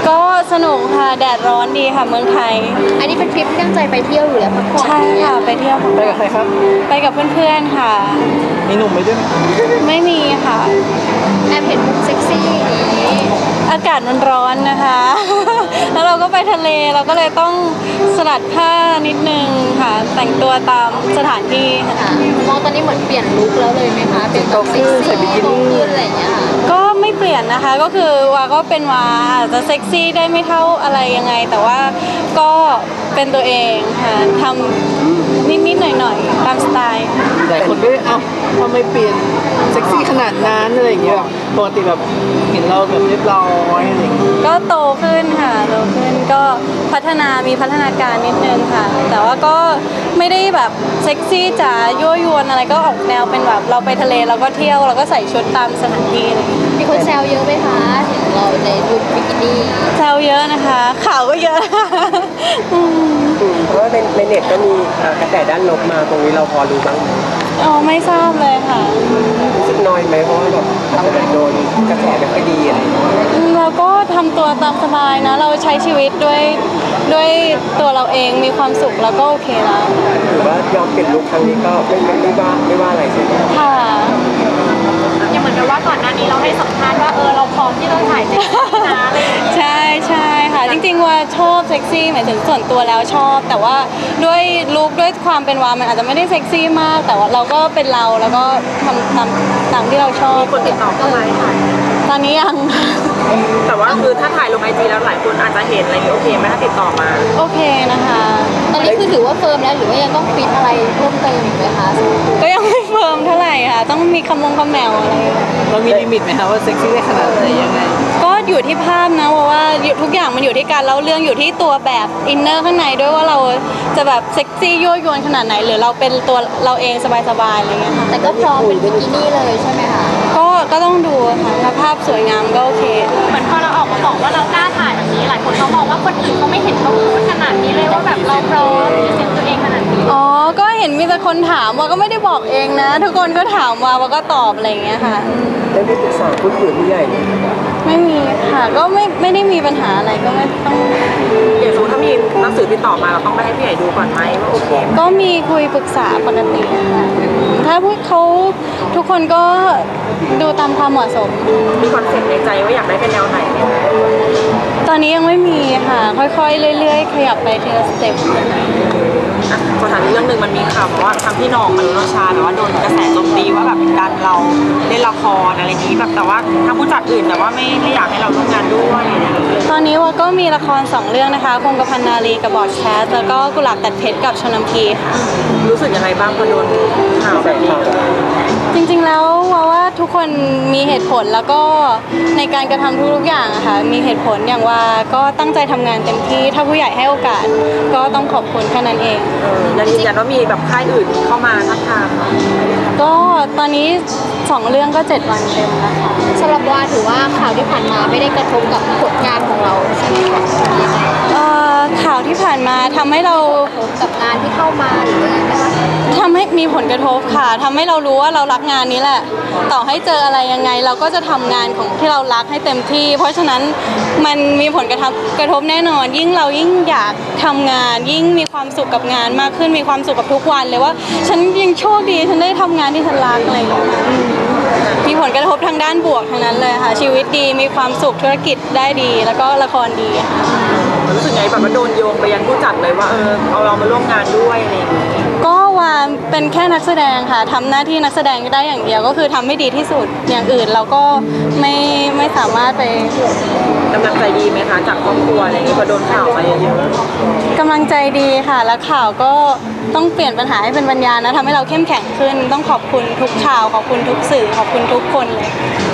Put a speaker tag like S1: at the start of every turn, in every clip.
S1: ก็สนุกค่ะแดดร้อนดีค่ะเมืองไทย
S2: อันนี้เป็นทริปที่ตั้งใจไปเที่ยวอยู่แล้วพักผ่อน
S1: ใช่ค่ะไปเที่ยว
S3: ไปกับใครครับ
S1: ไปกับเพื่อนๆค่ะ
S3: มีหนุ่มไปด้วยไหม
S1: ไม่มีค่ะ
S2: แอบเห็นมุมเซ็กซี่อย่างนี้
S1: อากาศมันร้อนนะคะแล้วเราก็ไปทะเลเราก็เลยต้องสลัดผ้านิดนึงค่ะแต่งตัวตามสถานที่
S2: ค่ะมองตอนนี้เหมือนเปลี่ยนลุคแล้วเลยไหมคะเป็นแบบเซ็กซี่โตขึ้นอะไรอย่างเงี้ยค่ะ
S1: ก็ไม่เปลี่ยนนะคะก็คือวาก็เป็นวาอาจจะเซ็กซี่ได้ไม่เท่าอะไรยังไงแต่ว่าก็เป็นตัวเองค่ะทำนิดๆหน่อยๆตามสไตล์
S3: หลายคนก็เอ้าทำไมเปลี่ยนเซ็กซี่ขนาดนั้นอะไรอย่างเงี้ยแบบปกติแบบเห็นเราแบบเรียบร้อยอะไรอย่างเงี้ย
S1: ก็โตขึ้นค่ะโตขึ้นก็มีพัฒนาการนิดนึงค่ะแต่ว่าก็ไม่ได้แบบเซ็กซี่จ๋ายั่วยวนอะไรก็ออกแนวเป็นแบบเราไปทะเลเราก็เที่ยวเราก็ใส่ชุดตามสถานที่เลย
S2: มีคนแซวเยอะไหมคะเห็นเราในลุคบิกินี่
S1: แซวเยอะนะคะข่าวก็เยอะ
S4: เพราะว่าในเน็ตก็มีกระแสด้านลบมาตรงนี้เราพอรู้บ้างไหม
S1: อ๋อไม่ทราบเลยค่ะ
S4: รู้สึกน้อยไหมเพราะว่าแบบอาจจะโดนกระแสไม่ค่อยดีอะไร
S1: เราก็ทำตัวตามสบายนะเราใช้ชีวิตด้วยตัวเราเองมีความสุขแล้วก็โอเคแล้ว
S4: หรือว่ายอมเปลี่ยนลุคครั้งนี้ก็ไม่ว่าอะไรใช่ไหม
S1: ค่ะ
S2: ยังเหมือนกับว่าก่อนหน้านี้เราให้สัมภาษณ์ว่าเราพร้อมที่ต้องถ่ายเซ็กซี่นะอะไรอย่างเงี้ย
S1: ใช่ค่ะจริงๆว่าชอบเซ็กซี่หมายถึงส่วนตัวแล้วชอบแต่ว่าด้วยลุคด้วยความเป็นวามันอาจจะไม่ได้เซ็กซี่มากแต่ว่าเราก็เป็นเราแล้วก็ทำตามที่เราชอบ
S2: มีคนติดต่อเข้ามาถ่าย
S1: ตอนนี้ยัง
S4: แต่ว่าคือถ้าถ่ายลงไอจีแล้วหลายคนอาจจะเห็นอะไรอย่างเงี้ยโอเคไหมถ้าติดต่อมา
S1: โอเคนะคะ
S2: ตอนนี้คือถือว่าเฟิร์มแล้วหรือว่ายังต้องฟิตอะไรเพิ่มเติมอีกไหมคะ
S1: ก็ยังไม่เฟิร์มเท่าไหร่ค่ะต้องมีคำแมวอะไร
S3: เรามีลิมิตไหมคะว่าเซ็กซี่ได้ขนาดไหนยังไง
S1: ก็อยู่ที่ภาพนะเพราะว่าทุกอย่างมันอยู่ที่การเล่าเรื่องอยู่ที่ตัวแบบอินเนอร์ข้างในด้วยว่าเราจะแบบเซ็กซี่ยั่วยวนขนาดไหนหรือเราเป็นตัวเราเองสบายๆอะไรเงี้ยค่ะ
S2: แต่ก็พร้อมเป็นบิกินี่เลยใช่ไหมคะ
S1: ก็ต้องดูค่ะถ้าภาพสวยงามก็โอเค
S2: เหมือนพอเราออกมาบอกว่าเรากล้าถ่ายแบบนี้หลายคนเขามองว่าคนอื่นเขาไม่เห็นเราพูดขนาดนี้เลยว่าแบบเราพร้อมเซ็นตัวเองขนาดนี้
S1: อ๋อก็เห็นมีแต่คนถามว่าก็ไม่ได้บอกเองนะทุกคนก็ถามว่าก็ตอบอะไรอย่างเงี้ยค่ะ
S4: ได้ปรึกษาผู้ใหญ่
S1: ไม่มีค่ะก็ไม่ได้มีปัญหาอะไรก็ไม่ต้อง
S4: อย่างสมมติถ้ามีหนังสือติดต่อมาเราต้องไปให้ผู้ใหญ่ดูก่อนไหมว่าโอเค
S1: ก็มีคุยปรึกษาปกติค่ะถ้าพวกเขาทุกคนก็ดูตามความเหมาะสม
S4: มีคอนเซ็ปต์ในใจว่าอยากได้เป็นแนวไหนไหม
S1: ตอนนี้ยังไม่มีค่ะค่อยๆเรื่อยๆขยับไปทีละสเต็ป
S4: สถานเรื่องหนึ่งมันมีข่าวว่าทางพี่น้องมันชาแบบว่าโดนกระแสโจมตีว่าแบบดันเราเล่นละครอะไรนี้แบบแต่ว่าทางผู้จัดอื่นแต่ว่าไม่อยากให้เราร่วมงานด้วย
S1: ตอนนี้ว่าก็มีละคร2เรื่องนะคะคงกระพันนารีกับบอดแคสแล้วก็กุหลาบตัดเพชรกับชนำพีค่ะ
S4: รู้สึกยังไงบ้างพอโดนข่าวแบบนี้
S1: จริงๆแล้วว่าทุกคนมีเหตุผลแล้วก็ในการกระทำทุกๆอย่างอะค่ะมีเหตุผลอย่างว่าก็ตั้งใจทำงานเต็มที่ถ้าผู้ใหญ่ให้โอกาสก็ต้องขอบคุณแค่นั้นเอง
S4: ยังยืนยันว่ามีแบบค่ายอื่นเข้ามาทักทาม
S1: ก็ตอนนี้2เรื่องก็7วันเต็มแล้วค่ะ
S2: สำหรับว่าถือว่าข่าวที่ผ่านมาไม่ได้กระทบกับผลงานของเราใช่ไหมคะ
S1: ข่าวที่ผ่านมาทำให้เรา
S2: กับงานที่เข้ามาหรืออะไรนะคะ
S1: ทำให้มีผลกระทบค่ะทำให้เรารู้ว่าเรารักงานนี้แหละต่อให้เจออะไรยังไงเราก็จะทำงานของที่เรารักให้เต็มที่เพราะฉะนั้นมันมีผลกระทบแน่นอนยิ่งเรายิ่งอยากทำงานยิ่งมีความสุขกับงานมากขึ้นมีความสุขกับทุกวันเลยว่าฉันยังโชคดีฉันได้ทำงานที่ฉันรักอะไรอย่างเงี้ยมีผลกระทบทางด้านบวกทั้งนั้นเลยค่ะชีวิตดีมีความสุขธุรกิจได้ดีแล้วก็ละครดีค่ะ
S4: รู้สึกไงแบบว่าโดนโยงไปยังผู้จัดเลยว่าเอาเรามาร่วมงานด้วยอะไรอย่างเงี้ย
S1: ก็ว่าเป็นแค่นักแสดงค่ะทำหน้าที่นักแสดงได้อย่างเดียวก็คือทำให้ดีที่สุดอย่างอื่นเราก็ไม่สามารถไป
S4: กำลังใจดีไหมคะจากครอบครัวอะไรอย่างเงี้ยพอโดนข่าวมาเยอะ
S1: ๆกำลังใจดีค่ะแล้วข่าวก็ต้องเปลี่ยนปัญหาให้เป็นปัญญานะทำให้เราเข้มแข็งขึ้นต้องขอบคุณทุกข่าวขอบคุณทุกสื่อขอบคุณทุกคนเลย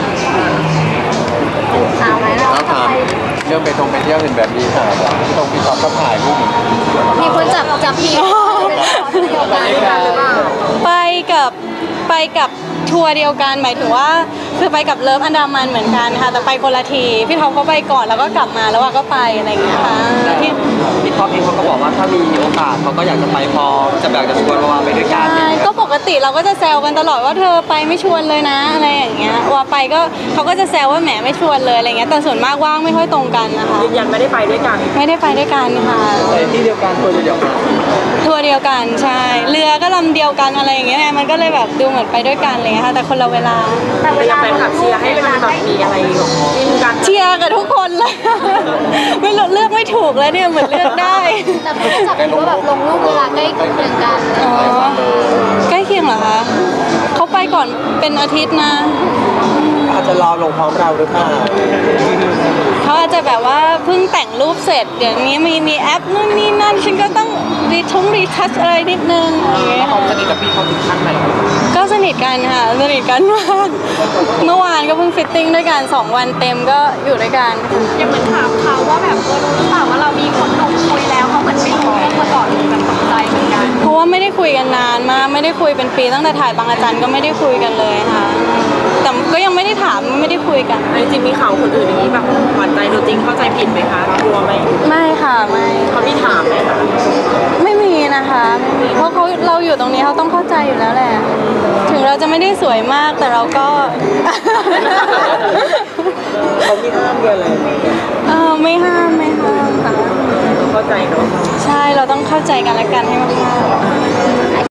S2: ข่าวไหมเรา
S3: เรื่องไปเที่ยวเห็นแบบนี้ค่ะพี่ตอบก็ถ่ายรูป
S2: มีคนจับผิด
S1: ไปกับไปกับทัวร์เดียวกันหมายถึงว่าคือไปกับเลิฟอันดามันเหมือนกันค่ะแต่ไปคนละทีพี่ท็อปเขาไปก่อนแล้วก็กลับมาแล้วว่าก็ไปอะไรอย่างเงี้ยค่ะที่
S5: พี่ท็อปเองเขาก็บอกว่าถ้ามีโอกาสเขาก็อยากจะไปพอจะอยากจะชวนวาไปด้วยกัน
S1: ใช่ก็ปกติเราก็จะแซวกันตลอดว่าเธอไปไม่ชวนเลยนะอะไรอย่างเงี้ยว่าไปก็เขาก็จะแซวว่าแหมไม่ชวนเลยอะไรเงี้ยแต่ส่วนมากว่างไม่ค่อยตรงกันนะคะ
S4: ยืนยันไม่ได้ไปด้วยกัน
S1: ไม่ได้ไปด้วยกันค่ะ
S5: แต่ที่เดียวกันตัวเดียวกัน
S1: ทัวร์เดียวกันใช่เรือก็ลำเดียวกันอะไรอย่างเงี้ยมันก็เลยแบบดูเหมือนไปด้วยกันอะไรเลยค่ะแต่คนละเวลา
S2: แต่เวลา
S4: แฟนคลับเชียร์ให้มันแบบมีอะไรแบบจิ้นกัน
S1: เชียร์กับทุกคนเลย ไม่รู้เลือกไม่ถูกแล้วเนี่ยเหมือนเลือกได้
S2: แต่ผู้จัดก็แบบลงรูปเวลาใกล้เคียงกัน
S1: อ๋อใกล้เคียงเหรอคะเขาไปก่อนเป็นอาทิตย์นะ
S5: อาจจะรอลงพร้อมเราหรือเปล่า
S1: เขาอาจจะแบบว่าเพิ่งแต่งรูปเสร็จเดี๋ยวนี้มีแอปนู่นนี่นั่นฉันก็ต้องรีทัชอะไรนิดนึงอะไรอย่างเงี้ย
S5: เขาสนิทกับพี่เขาถึงขั้นไหน
S1: ก็สนิทกันค่ะสนิทกันมากเมื่อวานก็เพิ่งฟิตติ้งด้วยกัน2 วันเต็มก็อยู่ด้วยกัน
S2: ยังเหมือนถามเขาว่าแบบรู้หรือเปล่าว่าเรามีคนหนุ่มคุยแล้วเขาเหมือนไม่รู้เรื่องมาก่อนแบบตกใจเหมือนกัน
S1: เพราะว่าไม่ได้คุยกันนานมากไม่ได้คุยเป็นปีตั้งแต่ถ่ายบางอาจารย์ก็ไม่ได้คุยกันเลยค่ะแต่ก็ยังไม่ได้ถามไม่ได้คุยกัน
S4: จริงๆมีข่าวคนอื่นอย่างนี้แบบหวานใจตัวจริงเข้าใจผิดไหมคะกลัวไหม
S1: ไม่ค่ะไม่
S4: เขามีถามไหมคะ
S1: ไม่มีนะคะไม่มีเพราะเราอยู่ตรงนี้เขาต้องเข้าใจอยู่แล้วแหละถึงเราจะไม่ได้สวยมากแต่เราก็
S5: เขาไม่ห้ามเลยอะไร
S1: ไม่ห้ามค่ะ
S4: เข้าใจเนาะ
S1: ใช่เราต้องเข้าใจกันและกันให้มากๆ